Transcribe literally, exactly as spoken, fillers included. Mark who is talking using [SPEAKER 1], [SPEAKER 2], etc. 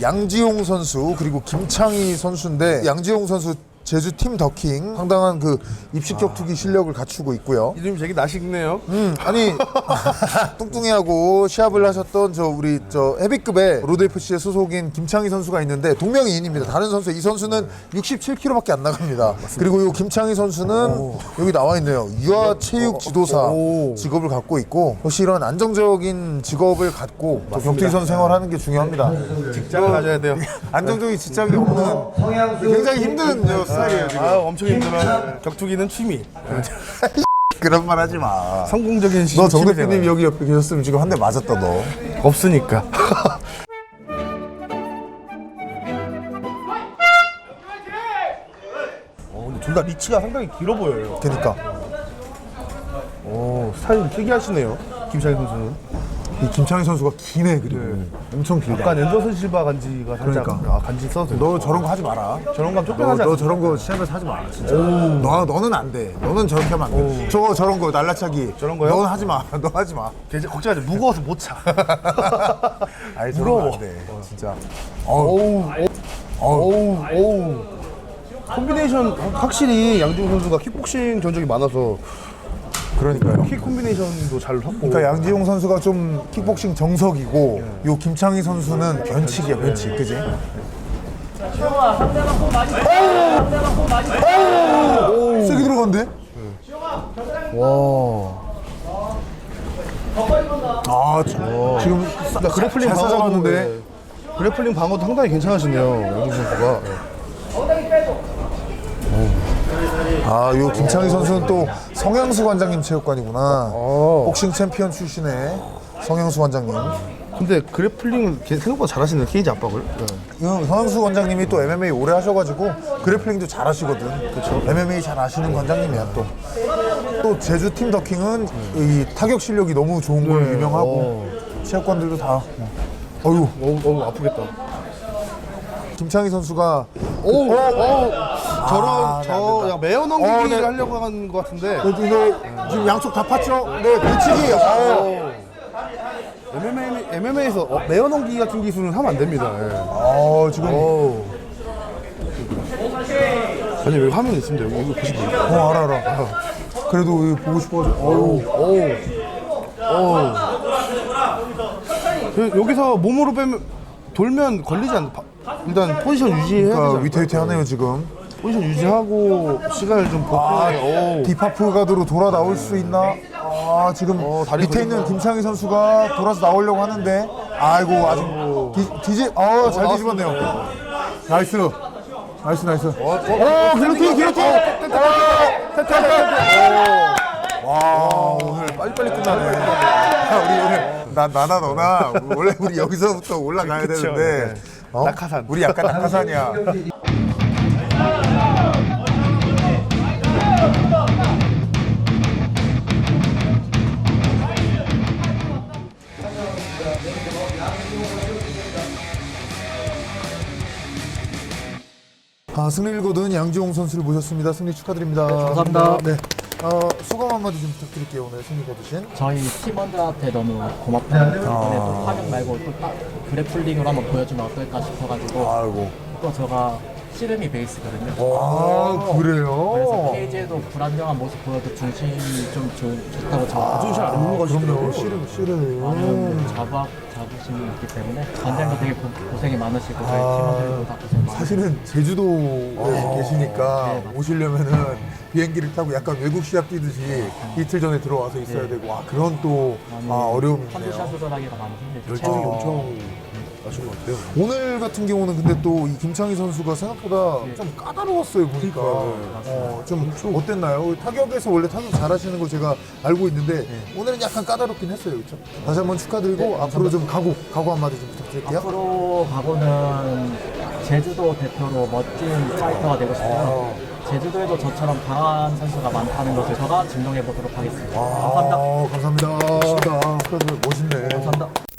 [SPEAKER 1] 양지용 선수 그리고 김창희 선수인데 양지용 선수 제주 팀 더킹 상당한 그 입식 격투기 실력을 갖추고 있고요.
[SPEAKER 2] 이름 되게 나식네요.
[SPEAKER 1] 음 아니 뚱뚱이하고 시합을 하셨던 저 우리 저 헤비급의 로드에프씨의 소속인 김창희 선수가 있는데 동명이인입니다. 다른 선수 이 선수는 육십칠 킬로그램밖에 안 나갑니다. 그리고 이 김창희 선수는 오. 여기 나와 있네요. 유아 체육 지도사 오. 직업을 갖고 있고 역시 이런 안정적인 직업을 갖고 또 격투기 선수 생활하는 게 중요합니다.
[SPEAKER 2] 직장을 가져야 돼요.
[SPEAKER 1] 안정적인 직장이 없는 굉장히 힘든 저 스타일이에요 지금.
[SPEAKER 2] 아, 엄청 힘들어요. 격투기는 취미.
[SPEAKER 1] 그런 말 하지 마.
[SPEAKER 2] 성공적인
[SPEAKER 1] 너 정 대표님 여기 옆에 계셨으면 지금 한 대 맞았다 너.
[SPEAKER 2] 없으니까. 어, 근데 둘 다 리치가 상당히 길어 보여요.
[SPEAKER 1] 그러니까
[SPEAKER 2] 오, 스타일 특이하시네요. 김창희 선수는.
[SPEAKER 1] 이 김창희 선수가 기네 그리고 네. 엄청 길다.
[SPEAKER 2] 약간 앤더슨 실바 간지가 살짝.
[SPEAKER 1] 그러니까.
[SPEAKER 2] 아, 간지 써도 돼요.
[SPEAKER 1] 너 저런 거 하지 마라.
[SPEAKER 2] 저런 감
[SPEAKER 1] 너,
[SPEAKER 2] 쫓겨나지
[SPEAKER 1] 너
[SPEAKER 2] 않아?
[SPEAKER 1] 저런 거 시합에서 하지 마라 진짜. 너, 너는 안 돼. 너는 저렇게 하면 안 돼. 저거 저런 거 날라차기.
[SPEAKER 2] 저런 거요?
[SPEAKER 1] 너는 하지 마. 너 하지 마.
[SPEAKER 2] 걱정하지 마. 무거워서 못 차.
[SPEAKER 1] 아니
[SPEAKER 2] 무거워.
[SPEAKER 1] 안 돼. 진짜.
[SPEAKER 2] 어우, 어우, 어우. 콤비네이션 확실히 양지웅 선수가 킥복싱 전적이 많아서
[SPEAKER 1] 그러니까요.
[SPEAKER 2] 킥 콤비네이션도 잘 하고.
[SPEAKER 1] 그러니까 양지용 선수가 좀 킥복싱 정석이고 요 김창희 선수는 변칙이야 변칙. 그지? 오! 세게 들어간대?
[SPEAKER 2] 와.
[SPEAKER 1] 아 저, 지금 싸,
[SPEAKER 2] 그러니까 그래플링
[SPEAKER 1] 잘
[SPEAKER 2] 방어도
[SPEAKER 1] 싸잡았는데.
[SPEAKER 2] 네. 그래플링 방어도 상당히 괜찮으시네요. 양지웅 선수가.
[SPEAKER 1] 아, 요 김창희 선수는 또 성향수 관장님 체육관이구나.
[SPEAKER 2] 어.
[SPEAKER 1] 복싱 챔피언 출신의 성향수 관장님.
[SPEAKER 2] 근데 그래플링을 생각보다 잘하시네요. 케이지 압박을. 네.
[SPEAKER 1] 이 성향수 관장님이 또 엠엠에이 오래 하셔가지고 그래플링도 잘하시거든. 그렇죠. 엠엠에이 잘 아시는 관장님이야 또. 또 제주 팀 더킹은 이 타격 실력이 너무 좋은 걸로
[SPEAKER 2] 네.
[SPEAKER 1] 유명하고
[SPEAKER 2] 어.
[SPEAKER 1] 체육관들도 다. 어유.
[SPEAKER 2] 어우, 어우 아프겠다.
[SPEAKER 1] 김창희 선수가
[SPEAKER 2] 오, 오, 오. 저런
[SPEAKER 1] 아,
[SPEAKER 2] 저 야, 매어 넘기기를
[SPEAKER 1] 어, 네.
[SPEAKER 2] 하려고 한 것 같은데.
[SPEAKER 1] 그래도 이거 지금 양쪽 다 팠죠? 네, 뒤치기. 어.
[SPEAKER 2] 엠엠에이, 엠엠에이에서 어, 매어 넘기기 같은 기술은 하면 안 됩니다. 예.
[SPEAKER 1] 어, 지금
[SPEAKER 2] 오. 아니 여기 화면 있습니다. 여기 이거 보시면
[SPEAKER 1] 어, 알아, 알아. 그래도 이거 보고 싶어가지고. 어우.
[SPEAKER 2] 오, 오. 그, 여기서 몸으로 빼면 돌면 걸리지 않나? 일단 포지션 유지해야
[SPEAKER 1] 그러니까
[SPEAKER 2] 되죠.
[SPEAKER 1] 위태위태하네요 지금.
[SPEAKER 2] 포지션 유지하고 시간을 좀
[SPEAKER 1] 아,
[SPEAKER 2] 보고.
[SPEAKER 1] 디파프 가드로 돌아 나올 수 있나? 아, 지금
[SPEAKER 2] 어, 다리
[SPEAKER 1] 밑에
[SPEAKER 2] 걸린다.
[SPEAKER 1] 있는 김창희 선수가 돌아서 나오려고 하는데, 아이고, 아직 디, 디지, 어, 잘 뒤집었네요. 나이스. 나이스, 나이스. 어, 기로틴, 기로틴! 와, 오늘 빨리빨리 끝나네. 우리 오늘, 나, 나나 너나, 원래 우리 여기서부터 올라가야
[SPEAKER 2] 그쵸,
[SPEAKER 1] 되는데,
[SPEAKER 2] 네.
[SPEAKER 1] 어?
[SPEAKER 2] 낙하산.
[SPEAKER 1] 우리 약간 낙하산이야. 아, 승리를 거둔 양지용 선수를 모셨습니다. 승리 축하드립니다. 네,
[SPEAKER 3] 감사합니다.
[SPEAKER 1] 네. 어, 소감 한마디 좀 부탁드릴게요. 오늘 승리 거두신.
[SPEAKER 3] 저희 팀원들한테 너무 고맙다. 이번에 또 타격 말고 또 딱 그래플링으로 한번 보여주면 어떨까 싶어가지고
[SPEAKER 1] 아이고.
[SPEAKER 3] 또 제가 씨름이 베이스거든요.
[SPEAKER 1] 아, 그래요?
[SPEAKER 3] 그래서 케이지에도 불안정한 모습 보여도 중심이 좀 좋, 좋다고 저
[SPEAKER 2] 아주 잘 안 넘어가시더라고요.
[SPEAKER 1] 그럼요. 씨름, 씨름.
[SPEAKER 3] 많은 자부학, 자부심이 있기 때문에 관장도 되게 고, 고생이 많으시고 저희
[SPEAKER 1] 아,
[SPEAKER 3] 팀원들도 다 고생 많으시고
[SPEAKER 1] 사실은 제주도에 계시니까
[SPEAKER 3] 네, 맞습니다.
[SPEAKER 1] 오시려면은 비행기를 타고 약간 외국 시합 뛰듯이 이틀 전에 들어와서 있어야 되고, 와, 그런 또 아, 어려움이
[SPEAKER 3] 컨디션
[SPEAKER 1] 있네요.
[SPEAKER 3] 조절하기가 많이 힘들죠.
[SPEAKER 2] 열정이
[SPEAKER 1] 아.
[SPEAKER 2] 엄청 나신 것 같아요.
[SPEAKER 1] 오늘 같은 경우는 근데 또 이 김창희 선수가 생각보다 좀 까다로웠어요 보니까. 어, 좀 어땠나요? 타격에서 원래 타격 잘하시는 거 제가 알고 있는데 오늘은 약간 까다롭긴 했어요, 그렇죠? 다시 한번 축하드리고 앞으로 좀 각오, 각오 한마디 좀 부탁드릴게요.
[SPEAKER 3] 앞으로 가고는 제주도 대표로 멋진 파이터가 되고 싶고요. 제주도에도 저처럼 강한 선수가 많다는 것을 제가 증명해 보도록 하겠습니다. 감사합니다.
[SPEAKER 1] 아, 감사합니다. 멋있다. 멋있네.
[SPEAKER 3] 감사합니다.